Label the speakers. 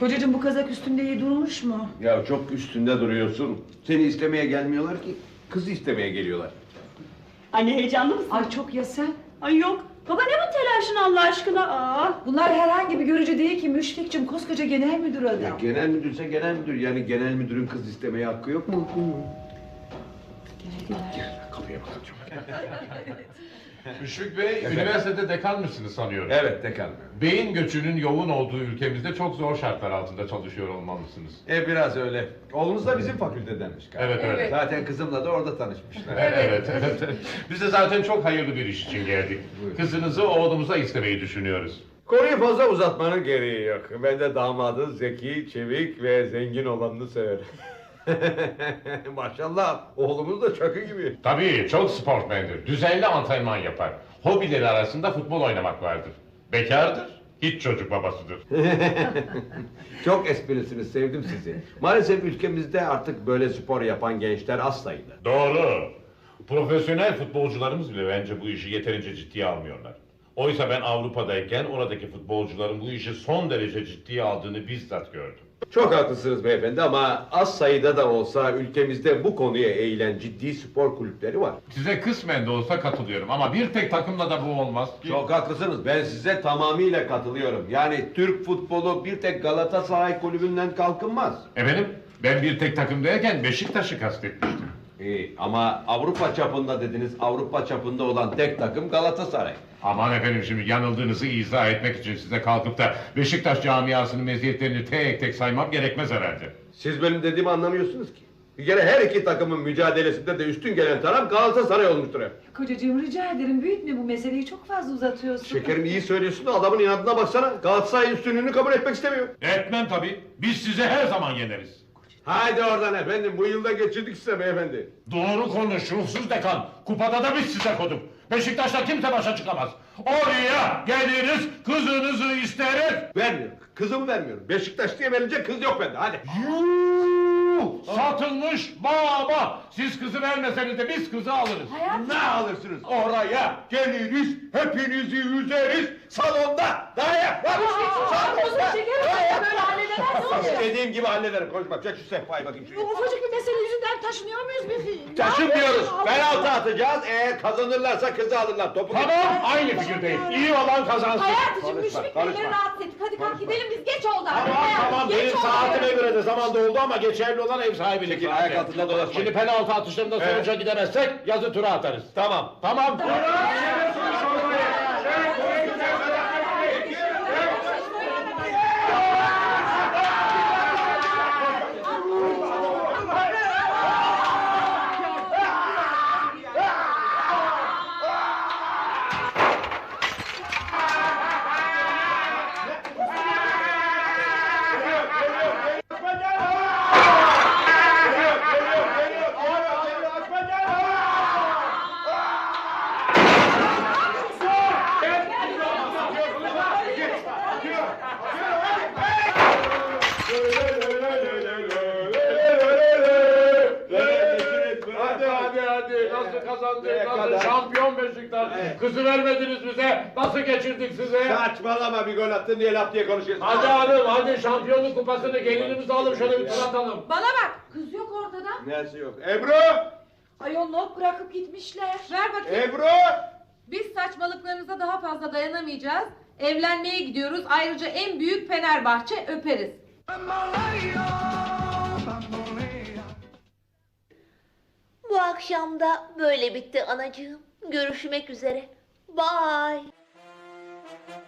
Speaker 1: Kocacığım bu kazak üstünde iyi durmuş mu?
Speaker 2: Ya çok üstünde duruyorsun. Seni istemeye gelmiyorlar ki. Kızı istemeye geliyorlar.
Speaker 3: Anne heyecanlı mısın?
Speaker 1: Ay çok ya sen.
Speaker 3: Ay yok. Baba ne bu telaşın Allah aşkına?
Speaker 1: Bunlar herhangi bir görücü değil ki Müşfik'cim, koskoca genel müdür adam.
Speaker 2: Ya genel müdürse genel müdür. Yani genel müdürün kız istemeye hakkı yok mu? Gel kapıya bakacağım.
Speaker 4: Müşfik Bey, üniversitede dekan mısınız sanıyorum?
Speaker 2: Evet dekan.
Speaker 4: Beyin göçünün yoğun olduğu ülkemizde çok zor şartlar altında çalışıyor olmalısınız.
Speaker 2: Biraz öyle. Oğlunuz da bizim fakültedenmiş galiba.
Speaker 4: Evet.
Speaker 2: Zaten kızımla da orada tanışmışlar.
Speaker 4: Evet. Biz de zaten çok hayırlı bir iş için geldik.
Speaker 2: Buyurun.
Speaker 4: Kızınızı oğlumuza istemeyi düşünüyoruz.
Speaker 2: Konuyu fazla uzatmanın gereği yok. Ben de damadın zeki, çevik ve zengin olanını severim. Maşallah oğlumuz da çakı gibi.
Speaker 4: Tabii, çok sportmendir. Düzenli antrenman yapar. Hobileri arasında futbol oynamak vardır. Bekardır, hiç çocuk babasıdır.
Speaker 2: Çok esprisiniz, sevdim sizi. Maalesef ülkemizde artık böyle spor yapan gençler az sayıda.
Speaker 4: Doğru. Profesyonel futbolcularımız bile bence bu işi yeterince ciddiye almıyorlar. Oysa ben Avrupa'dayken oradaki futbolcuların bu işi son derece ciddiye aldığını bizzat gördüm.
Speaker 2: Çok haklısınız beyefendi ama az sayıda da olsa ülkemizde bu konuya eğilen ciddi spor kulüpleri var.
Speaker 4: Size kısmen de olsa katılıyorum ama bir tek takımla da bu olmaz ki.
Speaker 2: Çok haklısınız. Ben size tamamıyla katılıyorum. Yani Türk futbolu bir tek Galatasaray kulübünden kalkınmaz.
Speaker 4: Efendim, ben bir tek takım derken Beşiktaş'ı kastetmiştim.
Speaker 2: Ama Avrupa çapında dediniz. Avrupa çapında olan tek takım Galatasaray.
Speaker 4: Aman efendim, şimdi yanıldığınızı izah etmek için size kalkıp da Beşiktaş camiasının meziyetlerini tek tek saymam gerekmez herhalde.
Speaker 2: Siz benim dediğimi anlamıyorsunuz ki. Bir kere her iki takımın mücadelesinde de üstün gelen taraf Galatasaray olmuştur hep.
Speaker 1: Kocacığım rica ederim, büyütme bu meseleyi, çok fazla uzatıyorsun.
Speaker 2: Şekerim iyi söylüyorsun da adamın inadına baksana. Galatasaray üstünlüğünü kabul etmek istemiyor.
Speaker 4: Etmem tabii. Biz size her zaman yeneriz.
Speaker 2: Haydi oradan efendim, bu yılda geçirdik size beyefendi.
Speaker 4: Doğru konuş ruhsuz dekan. Kupada da biz size koduk. Beşiktaş'ta kimse başa çıkamaz. Oraya geliriz, kızınızı isteriz.
Speaker 2: Vermiyorum, kızımı vermiyorum. Beşiktaş diye verilecek kız yok bende, hadi.
Speaker 4: Satılmış baba. Siz kızı vermeseniz de biz kızı alırız.
Speaker 2: Ne alırsınız? Oraya geliriz, hepinizi üzeriz, salonda. Dayak var.
Speaker 1: Kızım şekerim, böyle halledemezsin.
Speaker 2: İstediğim gibi hallederim. Koş bak, çek şu sehpayı bakayım şuraya.
Speaker 1: Ufacık bir mesele yüzünden taşınıyor muyuz bir?
Speaker 2: Taşınmıyoruz. Penaltı atacağız. Eğer kazanırlarsa kızı alırlar. Topu
Speaker 4: Tamam, aynı fikirdeyim. İyi olan kazansın.
Speaker 1: Hayatım, Müşfik
Speaker 2: konuşma.
Speaker 1: beyleri rahatsız ettik. Hadi kalk gidelim biz, geç oldu.
Speaker 4: Tamam,
Speaker 1: Geç
Speaker 4: benim
Speaker 1: oldu.
Speaker 4: saatime göre de zaman doldu ama geçerli olan ev sahibilik.
Speaker 2: Çekil,
Speaker 4: zaten.
Speaker 2: ayak altında dolaşmayın.
Speaker 4: Şimdi penaltı atışlarında sonuca gidemezsek yazı tura atarız.
Speaker 2: Tamam.
Speaker 4: Tamam. Hadi. Nasıl kazandık? Nasıl şampiyon Beşiktaş? Kızı vermediniz bize. Nasıl geçirdik size?
Speaker 2: Saçmalama, bir gol attın diye laf diye konuşuyorsun.
Speaker 4: Hadi hanım, hadi şampiyonluk kupasını gelinimize alıp şöyle bir tur atalım.
Speaker 1: Bana bak, kız yok ortada.
Speaker 2: Neresi yok? Ebru!
Speaker 1: Ayol not bırakıp gitmişler.
Speaker 5: Ver bakayım.
Speaker 2: Ebru!
Speaker 5: Biz saçmalıklarınıza daha fazla dayanamayacağız. Evlenmeye gidiyoruz. Ayrıca en büyük Fenerbahçe, öperiz.
Speaker 6: Bu akşam da böyle bitti anacığım. Görüşmek üzere. Bye.